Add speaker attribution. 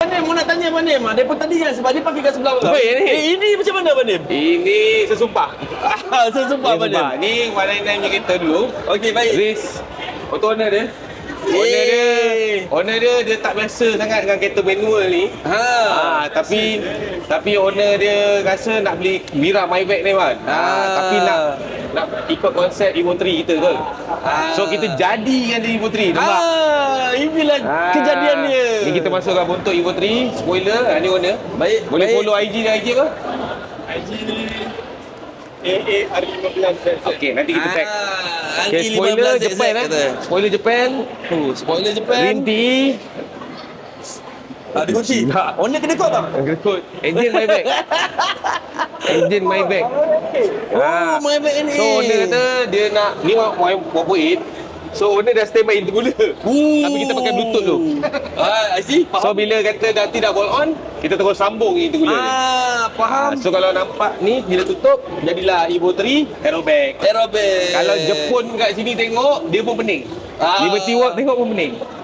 Speaker 1: Abang Nim, mau nak tanya Abang Nim. Daripada tadi kan sebab dia pakai kat sebelah.
Speaker 2: Apa ni?
Speaker 1: Ini macam mana Abang Nim?
Speaker 2: Ini sesumpah.
Speaker 1: Sesumpah Abang Nim.
Speaker 2: Ni 199 punya kereta dulu.
Speaker 1: Okey, baik.
Speaker 2: Race auto owner dia. Owner dia tak biasa sangat dengan kereta manual ni. Tapi owner dia rasa nak beli Mira Maybach ni kan. Tapi nak ikut konsep Evo 3 kita ke. So kita jadikan dia Evo 3 nampak.
Speaker 1: Inilah kejadian dia.
Speaker 2: Ni kita masukkan bentuk Evo 3 spoiler. Ni owner.
Speaker 1: Baik.
Speaker 2: Boleh follow IG dia apa?
Speaker 1: IG AA15.
Speaker 2: Okey, nanti kita tag.
Speaker 1: Okay,
Speaker 2: spoiler Japan Spoiler Japan.
Speaker 1: Spoiler Japan.
Speaker 2: Rinti.
Speaker 1: Dikunci. Owner kena kod bang.
Speaker 2: Kena kod. Engine Maybach. Engine Maybach.
Speaker 1: Maybach ni.
Speaker 2: So owner kata dia nak ni 1.8. So owner dah standby intercooler. Tapi kita pakai bluetooth tu.
Speaker 1: I see. Faham.
Speaker 2: So bila kata nanti dah bolt on, kita terus sambung intercooler ni.
Speaker 1: Faham.
Speaker 2: So kalau nampak ni bila tutup, jadilah Evo 3 aerobag.
Speaker 1: Aerobag.
Speaker 2: Kalau Jepun kat sini tengok, dia pun pening. Liberty Walk tengok pun pening.